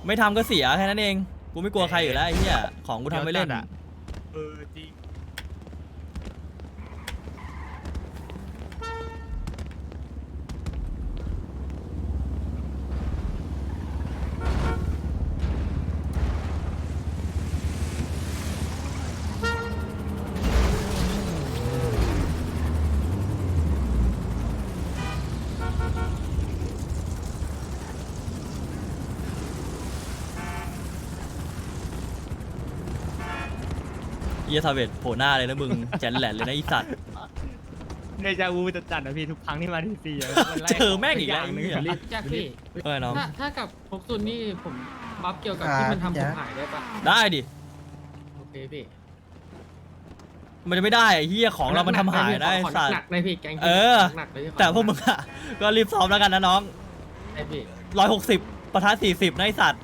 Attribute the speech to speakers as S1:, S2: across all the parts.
S1: ไม่ทำก็เสียแค่นั้นเองกูไม่กลัวใครอยู่แล้วไอ้เหี้ยของกูทำไม่เล่น
S2: จริง
S1: เหี้ยซาเวตโผล่หน้าเลยนะมึงแจนแหลนเลยนะไอ้สัตว์
S2: เดจาวูจะจัดนะพี่ทุกครั้งที่มาที่ซีอะ
S1: เจอแม่งอีกแล้ว
S2: นึง
S3: แจ็คพี่
S1: เออน้อง
S3: ถ้ากับพกซุนนี่ผมบัฟเกี่ยวกับที่มันทำผมหายได้ปะ
S1: ได้ดิ
S3: โอเคพี่
S1: มันจะไม่ได้ไอ้เหี้ยของเรามันทำหายได้
S3: ขอ
S1: สัต
S3: หนั
S1: ว์
S3: กๆเลยพี่แกง
S1: เออ
S3: หนักๆเลยพี่
S1: แต่พวกมึงอะก็รีบซ้อมแล้วกันนะน้อง
S3: ไอพี่
S1: 160ปะทะ40นะไอ้สัตว์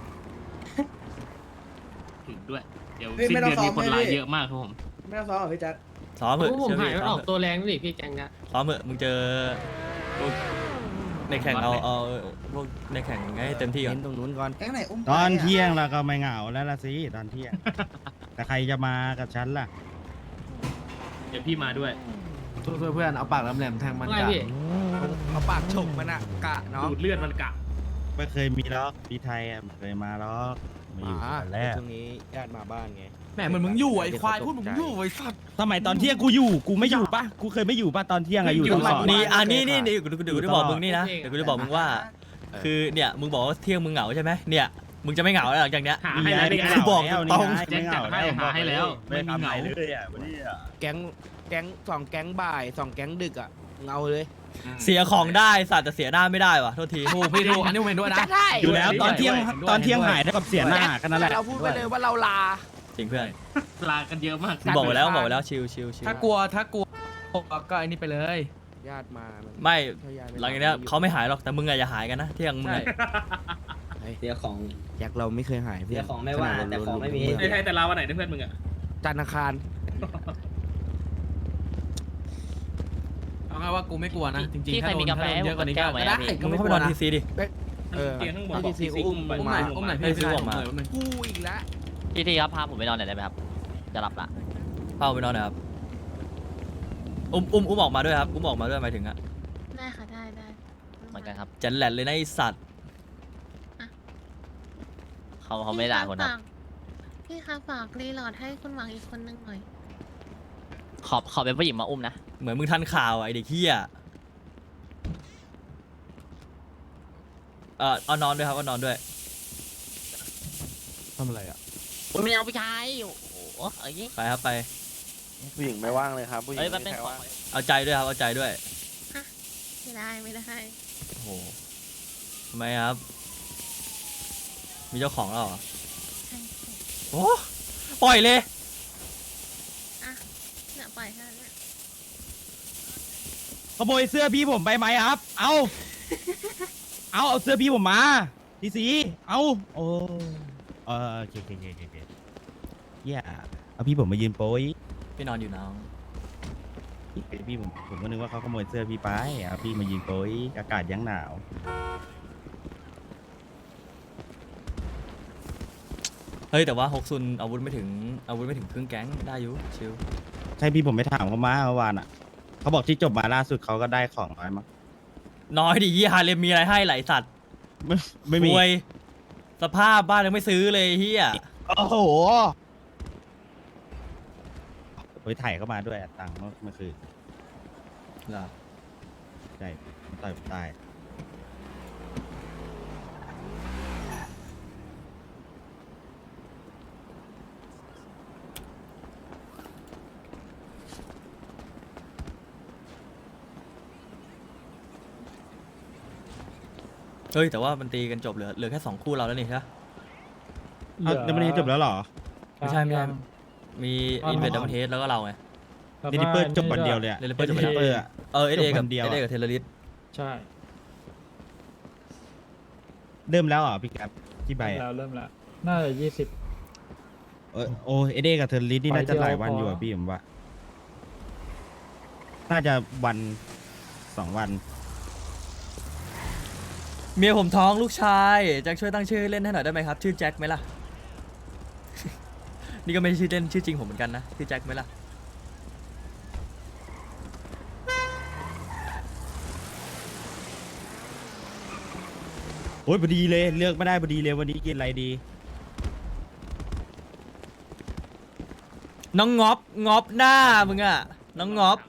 S4: ถึงด้วย เดี๋ยวสิ้นเดือนมีคนไลน์เยอะมากครับผม
S5: ไม่ต้องซ้อมหรอพี่แจ๊ค
S1: ซ้อมเถอะ
S3: พวกผม
S1: เชื่อ
S3: หาย
S1: พี่
S3: มัน
S1: ซ้
S3: อ
S1: อ
S3: อ
S1: ม
S3: ก
S1: เถอะ
S3: ตัวแรงดิพี่แกงนะ
S1: ซ้อมเถอะมึงเจอพวกในแข่งเอาพวกในแข่งให้เต็มที่ก่อน
S6: เน้นตรงนู้นก่อน
S5: แก๊งไหนอุ้ม
S6: ตอนเที่ยงเราก็ไม่เหงาแล้วละสิตอนเที่ยง แต่ใครจะมากับฉันล่ะ
S4: เดี๋ยวพี่มาด้วย
S7: เพื่อนเอาปากแหลมๆแทงมัน
S3: ไม่
S7: กะ
S3: พี่
S5: เอาปากฉกมันอะกะเนาะ
S4: ดูดเลือดมันกะ
S6: ไม่เคยมีล็อกที่ไทยอ่ะไม่เคยมาล็อกมาอยู่กันแรก
S5: ช่วงนี้ญาติมาบ้านไง
S7: แหมเหมือนมึงอยู่ไอ้ควายพูดมึงอยู่ไอ้สัตว์
S6: สมัยตอนเที่ยงกูอยู่กูไม่อยู่ปะกูเคยไม่อยู่ปะตอนเที่ยงอะอยู่ตลอด
S1: นี่นี่เดี๋ยวกูจะบอกมึงนี่นะเดี๋ยวกูจะบอกมึงว่า คือเนี่ยมึงบอกว่าเที่ยงมึงเหงาใช่ไหมเนี่ยมึงจะไม่เหงาแล้วหลังจากเนี้ย
S4: หาให้แล้วนี่ไง
S1: กูบอกตรง
S4: แจ็คจัดให้หาให้แล้ว
S6: ไม่ทำไหนเลยอ่ะวันนี้อ่ะ
S5: แก๊งสองแก๊งบ่าย2แก๊งดึกอะเงาเลย
S1: เสียของได้สัตว์แต่เสียหน้าไม่ได้ว่ะโทษที
S7: ถูกพี่ถูกอันนี้ผมเห็นด้วยนะ
S5: จะได้
S6: อยู่แล้วตอนเที่ยงตอนเที่ยงหายเท่ากับเสียหน้าแค่นั้นแหละ
S5: เราพูดไปเลยว่าเราลา
S1: จริงเพื่อน
S4: ลากันเยอะมาก
S1: กูบอกไว้แล้วชิว
S7: ถ้ากลัวก็ไอ้นี่ไปเลย
S5: ญาติมามัน
S1: ไม่
S5: ถ้าญาติ
S1: หลังจากเนี้ยเขาไม่หายหรอกแต่มึงอะอย่าหายกันนะเที่ยงมึง
S7: ใช่
S1: อะ
S8: เสียของ
S5: แจ็คเราไม่เคยหายเพื่
S8: เสี
S5: อย น
S8: ของไม่ว่าแต่ของไม่มี
S4: ในไทยแต่ลาวันไหนนะเพื่อนมึงอ่ะ
S5: จันทร์อังคาร
S7: เอาไงว่ากูไม่กลัวนะจริง
S9: พี่
S7: ๆ
S9: ใคร
S7: ถ้าโด
S9: มี
S7: น
S9: กาแฟ
S7: เยอะกว่านี้ก็
S9: ให้ผม
S7: ได้
S9: แก้วไหม
S7: ก็
S1: มึง
S7: ไม่
S1: เข้าก ไป
S7: ลั
S1: น
S7: ว
S1: อน
S7: นะ
S1: ทีซีดิ
S5: เออ
S4: เตียงข้างบน
S5: ที่ซีอุ้ม
S4: ไป
S7: อุ้มไหนอุ้มไหน
S1: ให้ซื้อออกมา
S5: กูอีกแล้ว
S9: พี่ครับพาผมไปนอนหน่อยได้ไหมครับ จะหลับละ
S1: เข้าไปนอนหนะครับอุ้มออกมาด้วยครับอุ้มออกมาด้วยหมายถึงอะ
S10: ได้ค่ะได้
S9: เหมือนกันครับ
S1: แจนแหลนเลยนะไอสัตว์
S9: เขาไม่ด่าคนครับ
S10: พี่คะฝากรีโหลดให้คุณหวังอีกคนนึงหน่อย
S9: ขอเป็นผู้หญิงมาอุ้มนะ
S1: เหมือนมึงทันข่าวอะไอเด็กเฮียเอานอนด้วยครับเอานอนด้วย
S7: ทำอะไรอ่ะ
S9: ผมไม่เอาผู้ชายโอ้โหเอ้ย
S1: ไปครับไป
S5: ผู้หญิงไม่ว่างเลยครับผู้หญิง
S9: เอ้ยมันเป็น
S5: ไม่
S9: ขอ
S5: ว่าง
S1: เอาใจด้วยครับเอาใจด้วย
S10: ไม่ได้
S1: โอ้โหทำไมครับ มีเจ้าของแล้วเหรอ
S10: ใช่
S1: โอ้ปล่อยเลย
S10: เนี่ยปล่อยให้เนี่ย
S6: ขโมยเสื้อพี่ผมไปไหมครับ เอาเสื้อพี่ผมมาทีสีเอาโอ้โอเคเหี้ยเอาพี่ผมมายืนโป้ย
S1: พี่นอนอยู่น้อง
S6: พี่ผมก็นึกว่าเขาขโมยเสื้อพี่ไปเอาพี่มายืนโป้ยอากาศยังหนาว
S1: เฮ้ยแต่ว่าฮกซุนอาวุธไม่ถึงครึ่งแก๊งได้อยู่ชิว
S6: ใช่พี่ผมไปถามเขามาเมื่อวานอ่ะเขาบอกที่จบมาล่าสุดเขาก็ได้ของน้อยมั้ง
S1: น้อยดิยี่ฮาเลมมีอะไรให้ไหลสัตว์
S6: ไม่มี
S1: รวยสภาพบ้านยังไม่ซื้อเลยเฮีย
S6: โอ้โหไปถ่ายเข้ามาด้วยตังค์เมื่อคืน
S1: เหรอ
S6: ใช่ต่อยผมตาย
S1: เฮ้ยแต่ว่ามันตีกันจบเหลือแค่2คู่เราแล้วนี่ใช่ปะ
S6: ยังไม่ได้จบแล้วเหรอ
S1: ไม่ใช่มีอินเวดดัมเทสแล้วก็เราไง
S6: ดินิเปอร์จบวันเดียวเลยอะ
S1: เดลิเปอร์จบวันเดียว
S6: เปอร์อะ
S1: เอเอ
S6: จบวั
S1: กับ
S6: นเดียวอะ
S1: กับเทเลริส
S7: ใช่
S6: เริ่มแล้วเหรอพี่แก๊ปที่ใบอะ
S7: เริ่มแล้วน่าจะ
S6: โอ้เอเดกับเทอร์ลิสนี่น่าจะหลายวันอยู่อะพี่ผมว่า น่าจะวัน2 วัน
S1: เมียผมท้องลูกชายแจ็คช่วยตั้งชื่อเล่นให้หน่อยได้ไหมครับ ชื่อแจ็คไหมล่ะ นี่ก็ไม่ใช่ชื่อเล่นชื่อจริงผมเหมือนกันนะชื่อแจ็คไหมล่ะ
S6: โอ้ยพอดีเลยเลือกไม่ได้พอดีเลยวันนี้กินอะไรดี
S1: น้องงอบงอบหน้ามึงอะน้องงอบ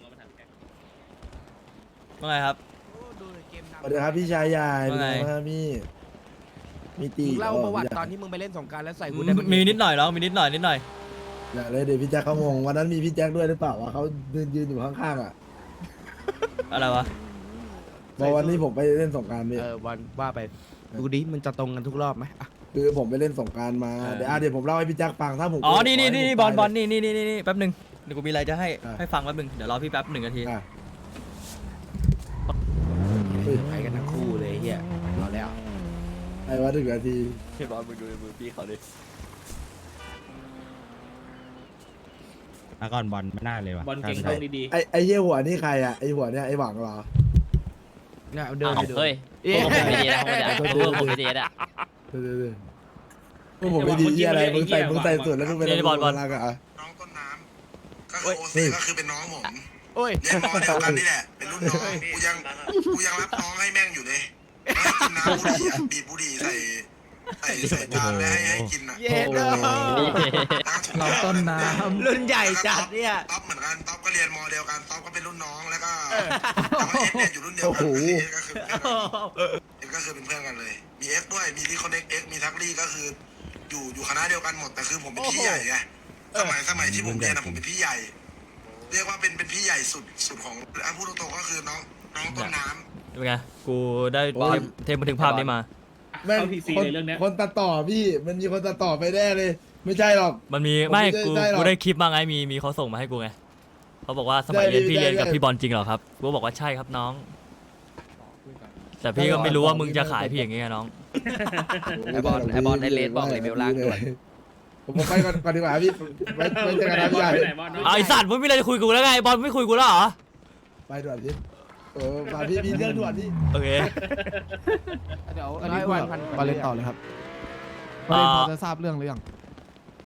S1: ว่าไงครับ
S8: สวัสดีครับพี่ชายใหญ่
S1: ว่าไง
S8: เป็นไงบ้างครับพี่มีตี
S5: มึงเล่าประวัติตอนที่มึงไปเล่นสงกรารแล้วใส่กูได้ปะ
S1: มีนิดหน่อยน้องมีนิดหน่อย
S8: อย่าเลยเดี๋ยวพี่แจ็คเขางงวันนั้นมีพี่แจ็คด้วยหรือเปล่าวะเขายืนอยู่ข้างๆอ่ะ
S1: อะไรวะ
S8: บอกวันนี้ผมไปเล่นสงกรารพี่
S5: วันว่าไปดูดิมันจะตรงกันทุกรอบไหมอ่ะ
S8: คือผมไปเล่นสงกรารมาเดี๋ยวผมเล่าให้พี่แจ็คฟังถ้าผม
S1: อ๋อนี่
S8: ขให้ผม
S1: บอล
S8: ไป
S1: นี่แป๊บหนึงเดี๋ยวกูมีอะไรจะให้
S8: อ่ะ
S1: ให้ฟังแป๊บหนึงเดี๋ยวรอพี่แป๊บ1 นาที
S8: อ่ะ
S5: ไปกันทั้งคู่เลยเฮียเอาแล้ว
S8: ไอ้ว่าถึงนาที
S1: พี่บอลมึงดูในมือพี่เขาดิ
S6: มาก่อนบอลไม่น่าเลยว่ะ
S4: บอลเก่ง
S6: ใช่
S4: ตรงดี
S8: ไอ้เหี้ยหัวนี่ใครอ่ะไอ้หัวเนี่ยไอ้หวังเหรอ
S5: เนี่ยเดิน
S9: อ้าว
S5: ไปดู
S9: เฮ้ยพวกผมไม่ดีนะพวกผมไม่ดีนะ
S8: เดี๋ยวพวกผมไม่ดีเหี้ยอะไรมึงใส่สูตรแล้วมึงเป็นอะไรบอลอ่ะ
S11: น้องต้นน้ำก็คือโอซีก็คือเป็นน้องผม
S5: โอ้ย
S11: เรียนมอเดียวกันนี่แหละ เป็นรุ่นน้องกูยังรับน้องให้แม่งอยู่เลยให้กินน้ำบุหรี่อะบีบบุหรี่ใส่จานแล้วให้กินอ่ะ
S5: เย็ดเลย
S11: เราต้นน้ำ
S5: รุ่นใหญ่จัดเนี่ย
S11: ต๊อปเหมือนกันต๊อปก็เรียนมอเดียวกันต๊อปก็เป็นรุ่นน้องแล้วก็แล้วก็เอ็กเนี่ยอยู่รุ่นเดียวกันเอ็กก็คือเป็นเพื่อนกันเลยมีเอ็กด้วยมีที่คอนเน็กเอ็กมีทักลี่ก็คืออยู่คณะเดียวกันหมดแต่คือผมเป็นพี่ใหญ่ไงสมัยที่ผมเรียนนะผมเป็นพี่ใหญ่ เรียกว่าเป็นพี่ใหญ่สุดของพูดตรงๆก็คือน้องต้นน้ำ
S1: เป็นไงกูได้เทปบันทึกภาพนี้มา
S4: ๆเข้าทีซีเลยเรื่องเนี้ย
S8: คนตัดต่อพี่มันมีคนตัดต่อไปแน่เลย ไม่ใช่หรอก
S1: มันมี
S8: ผม
S1: ไม่
S8: ไม่ได้หรอก
S1: กูได้คลิปมาไงมีเขาส่งมาให้กูไงเขาบอกว่าสมัยเรียน
S8: ได้
S1: พี่เรียนกับ
S8: ได้
S1: พี่บอลจริงเหรอครับกูก็บอกว่าใช่ครับน้อง แต่พี่ก็ไม่รู้ว่ามึงจะขายพี่อย่างเงี้ยน้อง
S8: ไอบอลไอเลสบอกเลยเบลล่างด้วยผมไปก่อนดีกว่าพี่ไว้เจอกันนะพี่ใหญ่
S4: ไปไหนบอล
S1: ไอสัตว์มึงไม่เลยจะคุยกูแล้วไงบอลไม่คุยกูแล้วเหรอ
S8: ไปด่วนพี่มาพี่มีเรื่องด่วนพี่
S1: โอเค
S5: เดี๋ยวอันนี้วันพัน
S2: มาเล่นต่อเลยครับ
S1: อ่า
S2: จะทราบเรื่องหรือยัง